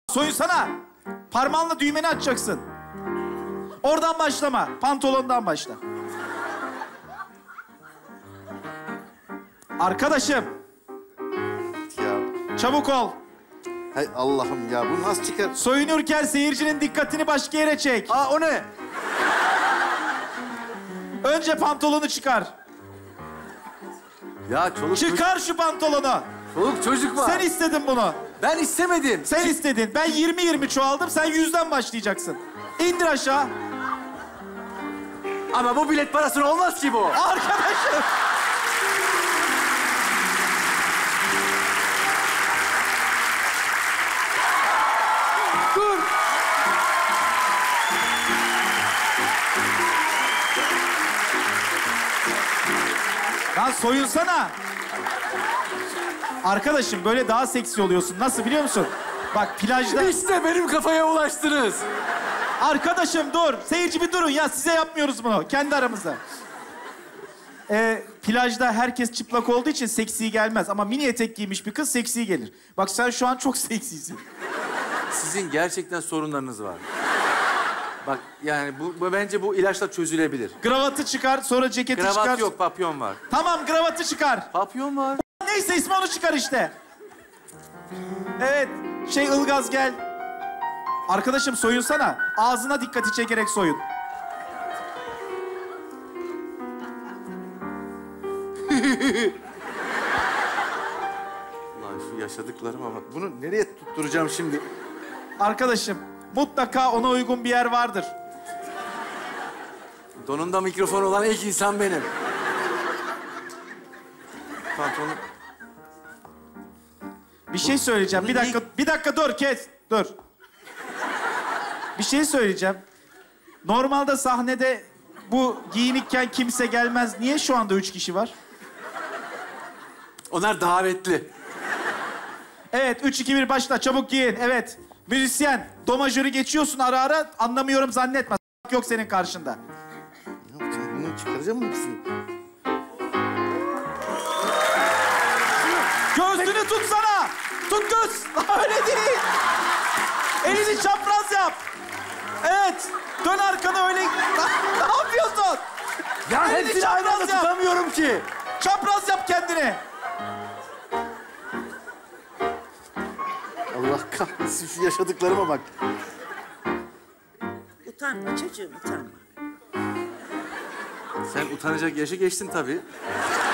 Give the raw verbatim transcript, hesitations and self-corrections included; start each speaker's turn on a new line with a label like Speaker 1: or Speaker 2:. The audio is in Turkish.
Speaker 1: Soyunsana. Parmağınla düğmeni açacaksın. Oradan başlama. Pantolondan başla. Arkadaşım.
Speaker 2: Ya.
Speaker 1: Çabuk ol.
Speaker 2: Hay Allah'ım ya, bu nasıl çıkar?
Speaker 1: Soyunurken seyircinin dikkatini başka yere çek.
Speaker 2: Aa, o ne?
Speaker 1: Önce pantolonu çıkar.
Speaker 2: Ya çoluk
Speaker 1: Çıkar şu pantolonu.
Speaker 2: Çoluk çocuk var.
Speaker 1: Sen istedin bunu.
Speaker 2: Ben istemedim.
Speaker 1: Sen istedin. Ben yirmi yirmi çoğaldım. Sen yüzden başlayacaksın. İndir aşağı.
Speaker 2: Ama bu bilet parasına olmaz ki bu.
Speaker 1: Arkadaşım.
Speaker 2: Dur.
Speaker 1: Lan soyunsana. Arkadaşım böyle daha seksi oluyorsun. Nasıl biliyor musun? Bak plajda...
Speaker 2: İşte benim kafaya ulaştınız.
Speaker 1: Arkadaşım dur. Seyirci bir durun ya. Size yapmıyoruz bunu. Kendi aramızda. Ee, plajda herkes çıplak olduğu için seksi gelmez. Ama mini etek giymiş bir kız seksi gelir. Bak sen şu an çok seksisin.
Speaker 2: Sizin gerçekten sorunlarınız var. Bak yani bu, bu bence bu ilaçla çözülebilir.
Speaker 1: Gravatı çıkar, sonra ceketi
Speaker 2: Kravat
Speaker 1: çıkar.
Speaker 2: yok, papyon var.
Speaker 1: Tamam, gravatı çıkar.
Speaker 2: Papyon var.
Speaker 1: Neyse ismi onu çıkar işte. Evet, şey Ilgaz gel. Arkadaşım soyunsana. Ağzına dikkati çekerek soyun.
Speaker 2: Ulan şu yaşadıklarıma bak. Bunu nereye tutturacağım şimdi?
Speaker 1: Arkadaşım mutlaka ona uygun bir yer vardır.
Speaker 2: Donunda mikrofon olan ilk insan benim. Pantolonu...
Speaker 1: Bir şey söyleyeceğim.
Speaker 2: bunu
Speaker 1: Bir dakika, bir dakika dur kes. Dur. Bir şey söyleyeceğim. Normalde sahnede bu giyinikken kimse gelmez. Niye şu anda üç kişi var?
Speaker 2: Onlar davetli.
Speaker 1: Evet, üç, iki, bir başla. Çabuk giyin. Evet. Müzisyen, do majörü geçiyorsun ara ara. Anlamıyorum zannetme. S**k yok senin karşında.
Speaker 2: Ne yapacağım? Bunu çıkaracağım mı hepsini?
Speaker 1: Göğsünü tutsana. Tut göz. Öyle değil. Elini çapraz yap. Evet. Dön arkanı öyle. Ne yapıyorsun?
Speaker 2: Ya
Speaker 1: Elini
Speaker 2: hepsini aynı anda
Speaker 1: çapraz yap.
Speaker 2: tutamıyorum ki.
Speaker 1: Çapraz yap kendini.
Speaker 2: Allah kahretsin, şu yaşadıklarıma bak.
Speaker 3: Utanma çocuğum, utanma.
Speaker 2: Sen utanacak yaşı geçtin tabii.